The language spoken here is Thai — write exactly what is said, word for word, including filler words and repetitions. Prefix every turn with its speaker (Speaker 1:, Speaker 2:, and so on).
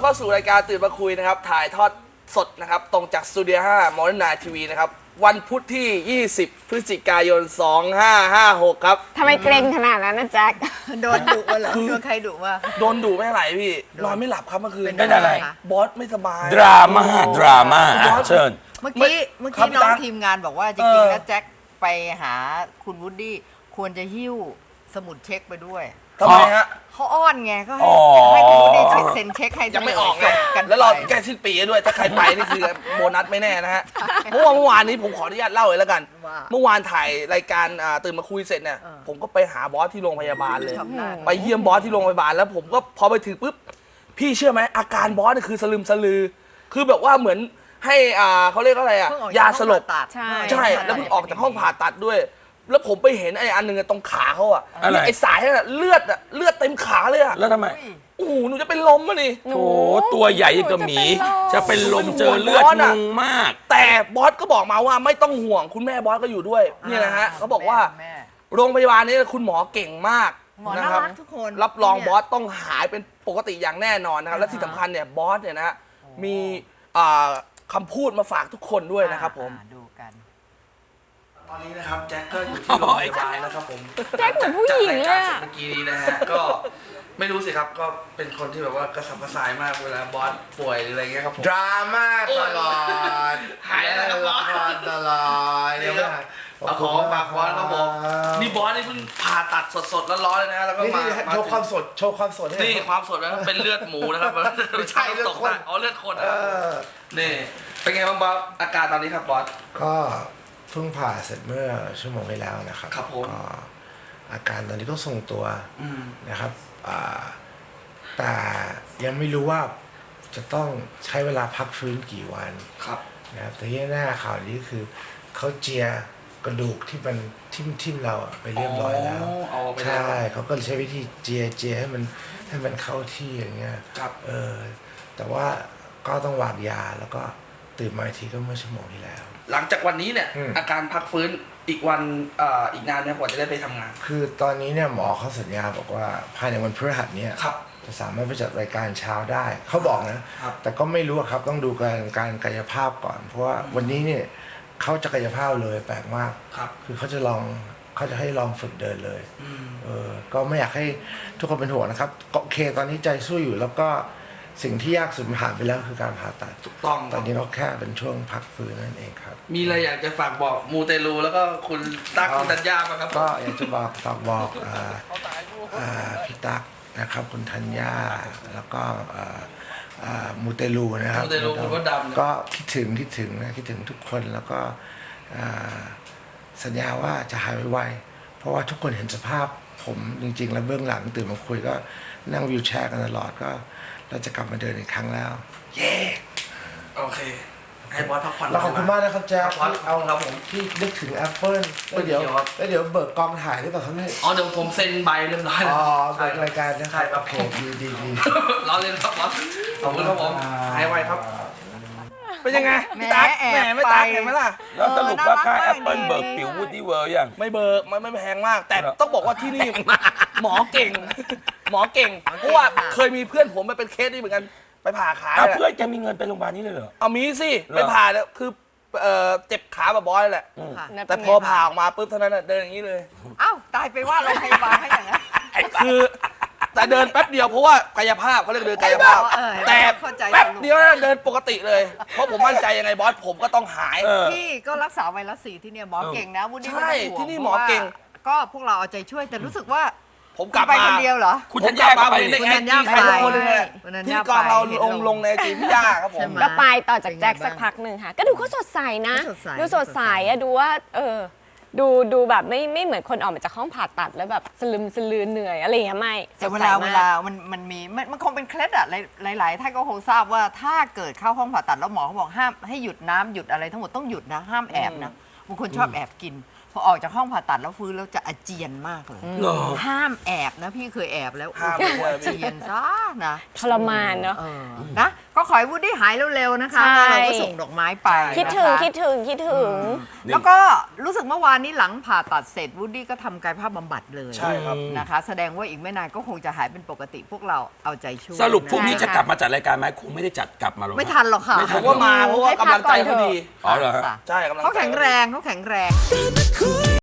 Speaker 1: เข้าสู่รายการตื่นมาคุยนะครับถ่ายทอดสดนะครับตรงจากสตูดิโอห้ามอร์นิ่งไนท์ทีวีนะครับวันพุธที่ยี่สิบพฤศจิกายนสองห้าห้าหกครับ
Speaker 2: ทำไมเกรงขนาดนั้นนะแจ็ค
Speaker 3: โดนดุวะเหรอโดนใครดุวะ
Speaker 1: โดนดุไม่ไหลพี่นอนไม่หลับครับเมื่อคืน
Speaker 4: เป็นอะไร
Speaker 1: บอสไม่สบาย
Speaker 4: ดราม่าดราม่าเชิญ
Speaker 3: เมื่อกี้เมื่อกี้น้องทีมงานบอกว่าจริงๆแล้วแจ็คไปหาคุณวูดดี้ควรจะหิ้วสมุดเช็คไปด้วย
Speaker 1: ทำไมฮะ
Speaker 3: เขาอ้อนไงก็ให้ให้คุณวูดดี้เช็คเซ็นเช็คให้
Speaker 1: ยังไม่ออกไงแล้วรอแก้สิ้นปีด้วยถ้าใครไปนี่คือโบนัสไม่แน่นะฮะเมื่อวานเมื่อวานนี้ผมขออนุญาตเล่าเลยแล้วกันเมื่อวานถ่ายรายการตื่นมาคุยเสร็จเนี่ยผมก็ไปหาบอสที่โรงพยาบาลเลยไปเยี่ยมบอสที่โรงพยาบาลแล้วผมก็พอไปถึงปุ๊บพี่เชื่อไหมอาการบอสนี่คือสลืมสลือคือแบบว่าเหมือนให้อ่าเขาเรียกอะไรอ่ะยาสลบ
Speaker 3: ใช่
Speaker 1: ใช่แล้วเพิ่งออกจากห้องผ่าตัดด้วยแล้วผมไปเห็นไอ้อันหนึ่งตรงขาเขาอ่ะไอ้สายนั่นเลือดอ่ะเลือดเต็มขาเลยอ่ะ
Speaker 4: แล้วทำไม
Speaker 1: โอ้โหหนูจะเป็นลมอ่ะนี่
Speaker 4: โถตัวใหญ่กับหมีจะเป็นลมเจอเลือดงงมาก
Speaker 1: แต่บอสก็บอกมาว่าไม่ต้องห่วงคุณแม่บอสก็อยู่ด้วยเนี่ยนะฮะเขาบอกว่าโรงพยาบาลนี้คุณหมอเก่งมากนะครับรับรองบอสต้องหายเป็นปกติอย่างแน่นอนนะครับและที่สำคัญเนี่ยบอสเนี่ยนะมีคำพูดมาฝากทุกคนด้วยนะครับผม
Speaker 3: ดูกัน
Speaker 1: ตอนนี้นะครับแจ็คก็อยู่ที่โรงพยาบาลนะครับผม
Speaker 2: แจ็คเหมือนผู้หญิงเลย
Speaker 1: เมื่อกี้นี้นะฮะก็ไม่รู้สิครับก็เป็นคนที่แบบว่ากระสับกระส่ายมากเวลาบอสป่วยหรืออะไรเงี้ยครับผม
Speaker 5: ดราม่าตลอด
Speaker 1: หายแล้วครับบอส
Speaker 5: ตลอด
Speaker 1: นี่ก็มาขอฝากบอสครับผมนี่บอสนี่เพิ่งผ่าตัดสดๆร้อนๆเลยนะแล้วก็มา
Speaker 5: โชว์ความสดโชว์ความสด
Speaker 1: นี่ความสดนะเป็นเลือดหมูนะครับ
Speaker 5: ไม่ใช่เลือดคน
Speaker 1: อ๋อเลือดคนนี่เป็นไงบ้างบอสอาการตอนนี้ครับบอส
Speaker 5: ก็เพิ่งผ่าเสร็จเมื่อชั่วโมงที่แล้วนะครับ
Speaker 1: ครับผม
Speaker 5: ก็อาการตอนนี้ก็ทรงตัวนะครับแต่ยังไม่รู้ว่าจะต้องใช้เวลาพักฟื้นกี่วัน
Speaker 1: ครับ
Speaker 5: นะครับแต่ที่แน่ข่าวนี้คือเขาเจียกระดูกที่มันทิ่มทิ่มเราไปเรียบร้อยแล้วใช่เขาก็ใช้วิธีเจียเจียให้มันให้มันเข้าที่อย่างเงี้ยเออแต่ว่าก็ต้องวางยาแล้วก็ตื่นมาอีกทีก็เมื่อชั่วโมงที่แล้ว
Speaker 1: หลังจากวันนี้เนี่ยอาการพักฟื้นอีกวันอีกนานไหมกว่าจะได้ไปทำงาน
Speaker 5: คือตอนนี้เนี่ยหมอเขาสัญญาบอกว่าภายในวันพฤหัสเนี่ยจะสามารถไปจัดรายการเช้าได้เขาบอกนะแต่ก็ไม่รู้ครับต้องดูการการกายภาพก่อนเพราะว่าวันนี้เนี่ยเขาจะกายภาพเลยแปลกมากคือเขาจะลองเขาจะให้ลองฝึกเดินเลยเออก็ไม่อยากให้ทุกคนเป็นห่วงนะครับโอเคตอนนี้ใจสู้อยู่แล้วก็สิ่งที่ยากสุดผ่านไปแล้วคือการผ่าตัด
Speaker 1: ถูกต้อง
Speaker 5: ตอนนี้ก็แค่เป็นช่วงพักฟื้นนั่นเองครับ
Speaker 1: มีอะไรอยากจะฝากบอกมูเตลูแล้วก็คุณตั๊กคุณธัญญาไหมครับ
Speaker 5: ก็อยากจะบอกฝากบอกพี่ตั๊กนะครับคุณธัญญาแล้วก็มูเตลูนะครับ
Speaker 1: มูเตลูคุณพ่อดำ
Speaker 5: ก็คิดถึงคิดถึงนะคิดถึงทุกคนแล้วก็สัญญาว่าจะหายไวๆเพราะว่าทุกคนเห็นสภาพผมจริงๆแล้วเบื้องหลังตื่นมาคุยก็นั่งวิวแชร์กันตลอดก็เราจะกลับมาเดินอีกครั้งแล้ว
Speaker 1: เย้โอเคให้บอสพักผ่อน
Speaker 5: ขอบคุณมากนะครับแจ๊คที่เอาครับผมที่นึกถึงแอปเปิ้ลแล้วเดี๋ยวแล้วเดี๋ยวเบิกกองถ่ายได้ป่ะครับเนี่ย
Speaker 1: อ๋อเดี๋ยวผมเซ็นใบเรียบร้อย
Speaker 5: แล้วอ๋อเบิกรายการนะครับโอเคดีดีดี
Speaker 1: รอเล่นครับบอสขอบคุณครับผมหายไวครับเป็นยังไงพี่ตั๊กแหมไม่ตั๊กเห็นไหมล่ะ
Speaker 4: แล้วสรุปว่าค่าแอปเปิ้ลเบิกผิววูดดี้เวิร์ยัง
Speaker 1: ไม่เบิกไม่ไม่แพงมากแต่ต้องบอกว่าที่นี่หมอเก่งหมอเก่งเพราะว่าเคยมีเพื่อนผมไปเป็นเคสนี้เหมือนกันไปผ่าขา
Speaker 4: เพื่อนแกมีเงินไปโรงพยาบาลนี้เลยเหรอ
Speaker 1: เอามีสิไปผ่าแล้วคือเจ็บขาแบบบอยแหละแต่พอผ่าออกมาปุ๊บเท่านั้นเดินอย่างนี้เลย
Speaker 3: อ้าวตายไปว่าโรงพยาบาลให้อย่างนั้น
Speaker 1: คือแต่เดินแป๊บเดียวเพราะว่ากายภาพเขาเรียกเดินกายภาพแต่แป๊บเดียวเดินปกติเลยเพราะผมมั่นใจยังไงบอสผมก็ต้องหาย
Speaker 3: พี่ก็รักษาไวรัสซีที่เนี่ยหมอเก่งนะวุ้นนี่
Speaker 1: ใช่ที่นี่หมอเก่ง
Speaker 3: ก็พวกเราเอาใจช่วยแต่รู้สึกว่า
Speaker 1: ผมกลับ
Speaker 3: มาคนเดียวเหรอ
Speaker 4: คุณธัญญา
Speaker 1: ไปคุณธัญญาไปทุกคนเลยที่กองเราลงลงในจีพี่ยาครับผม
Speaker 2: ก็ไปต่อจากแจ็คสักพักหนึ่งค่ะก็ดูเขาสดใสนะดูสดใสอะดูว่าเออดูดูแบบไม่ไม่เหมือนคนออกมาจากห้องผ่าตัดแล้วแบบสลึมสลือเหนื่อยอะไรอย่างเงี้ยไม่
Speaker 3: แต่เวลาเวลามันมันมีมันคงเป็นเคล็ดอะหลายหลายท่านก็คงทราบว่าถ้าเกิดเข้าห้องผ่าตัดแล้วหมอเขาบอกห้ามให้หยุดน้ำหยุดอะไรทั้งหมดต้องหยุดนะห้ามแอบนะบางคนชอบแอบกินพอออกจากห้องผ่าตัดแล้วฟื้นแล้วจะอาเจียนมากเลย
Speaker 4: เหรอ
Speaker 3: ห้ามแอบนะพี่เคยแอบแล้ว
Speaker 1: ห้าม
Speaker 3: โอ้โห
Speaker 1: เลย
Speaker 3: อาเจียนซะนะ
Speaker 2: ทรมานเนาะ
Speaker 3: เออนะก็ขอให้วูดดี้หายเร็วๆนะคะ
Speaker 2: ใช่
Speaker 3: แล้วเราก็ส่งดอกไม้ไป
Speaker 2: คิดถึง
Speaker 3: นะคะ
Speaker 2: คิดถึงคิดถึง
Speaker 3: แล้วก็รู้สึกเมื่อวานนี้หลังผ่าตัดเสร็จวูดดี้ก็ทำกายภาพบำบัดเลย
Speaker 1: ใช่ครับ
Speaker 3: นะคะ แสดงว่าอีกไม่นานก็คงจะหายเป็นปกติพวกเราเอาใจช่วย
Speaker 4: สรุปพรุ่งนี้
Speaker 3: นะ
Speaker 4: จะกลับมาจัดรายการไหมคงไม่ได้จัดกลับมาหรอก
Speaker 3: ไม่ทันหรอกค่ะ
Speaker 1: ผมว่ามาเพราะว่ากำลังใจเขาดี
Speaker 4: อ๋อเหรอฮะ
Speaker 3: ค่ะ
Speaker 1: ใช่กำลังใจ
Speaker 3: เขาแข็งแรงเขาแข็งแรง